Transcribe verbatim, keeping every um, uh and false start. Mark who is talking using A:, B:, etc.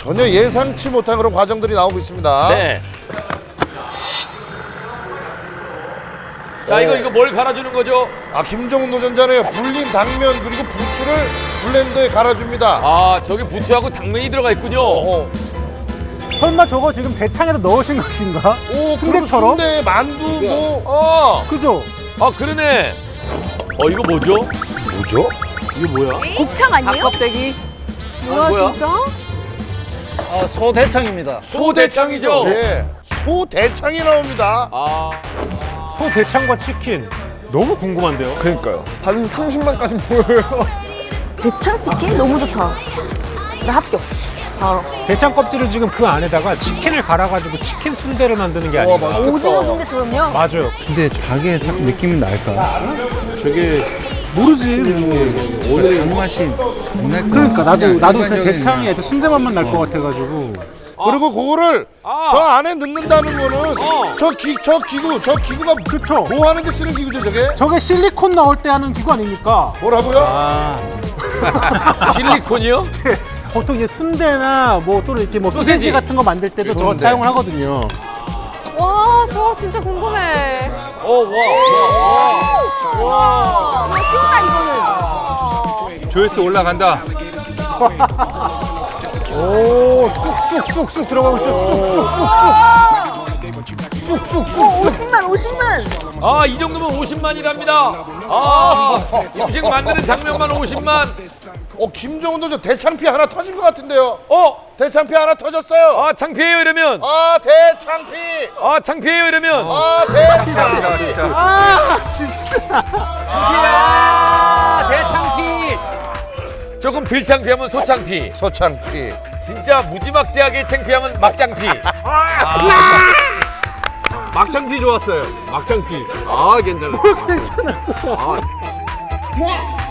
A: 전혀 예상치 못한 그런 과정들이 나오고 있습니다.
B: 네. 자, 이거 이거 뭘 갈아주는 거죠?
A: 아, 김정은 도전자는 불린 당면 그리고 부추를 블렌더에 갈아줍니다.
B: 아, 저기 부추하고 당면이 들어가 있군요.
A: 어.
C: 설마 저거 지금 대창에다 넣으신 것인가?
A: 오, 그리고
C: 순대처럼?
A: 순대, 만두 뭐.
B: 어,
C: 그죠?
B: 아 그러네. 어, 이거 뭐죠?
A: 뭐죠?
B: 이거 뭐야?
D: 곱창 아니에요?
E: 닭껍데기.
D: 뭐야,
B: 뭐야?
D: 진짜?
E: 아, 소대창입니다.
B: 소대창이죠?
A: 네. 소대창이 나옵니다.
B: 아,
C: 소 대창과 치킨 너무 궁금한데요?
F: 그러니까요. 한 삼십만까지 보여요.
D: 대창 치킨? 너무 좋다. 나 합격. 바로.
C: 대창 껍질을 지금 그 안에다가 치킨을 갈아가지고 치킨 순대를 만드는 게 아닌가.
F: 맛있겠다.
D: 오징어 순대처럼요?
C: 맞아요.
G: 근데 닭의 사- 느낌은 날까?
F: 되게
C: 모르지.
G: 오늘 단맛이 안 날 거야.
C: 그러니까 나도 나도 그
G: 일반적인
C: 대창에 순대 맛만 날 것 같아가지고.
A: 그리고 그거를
B: 아.
A: 저 안에 넣는다는 거는
B: 어.
A: 저, 기, 저 기구, 저 기구가
C: 그쵸.
A: 뭐 하는 데 쓰는 기구죠, 저게?
C: 저게 실리콘 나올 때 하는 기구 아닙니까?
A: 뭐라고요?
C: 아.
B: 실리콘이요?
C: 보통 이제 순대나 뭐 또는 이렇게 뭐
B: 소세지.
C: 소세지 같은 거 만들 때도 저거
A: 순대.
C: 사용을 하거든요.
D: 와, 저 진짜 궁금해.
B: 어, 와, 와,
D: 와, 맛있다, 이거는.
G: 조회수 올라간다.
C: 오, 쑥쑥쑥쑥 들어가고 있죠. 쑥쑥쑥쑥.
D: 오, 오십만, 오십만.
B: 아, 이 정도면 오십만이랍니다. 아, 음식 만드는 장면만 오십만.
A: 어, 김정은 도전 대창피 하나 터진 것 같은데요?
B: 어,
A: 대창피 하나 터졌어요.
B: 아, 창피해요 이러면.
A: 아, 대창피.
B: 아, 창피해요 이러면.
A: 아, 대창피.
G: 진짜.
C: 아, 진짜.
B: 창피야, 대창피. 조금 덜 창피하면 소창피.
A: 소창피.
B: 진짜 무지막지하게 창피하면 막장피.
F: 막창피 좋았어요. 막창피. 아, 괜찮아.
C: 괜찮았어.
F: 아,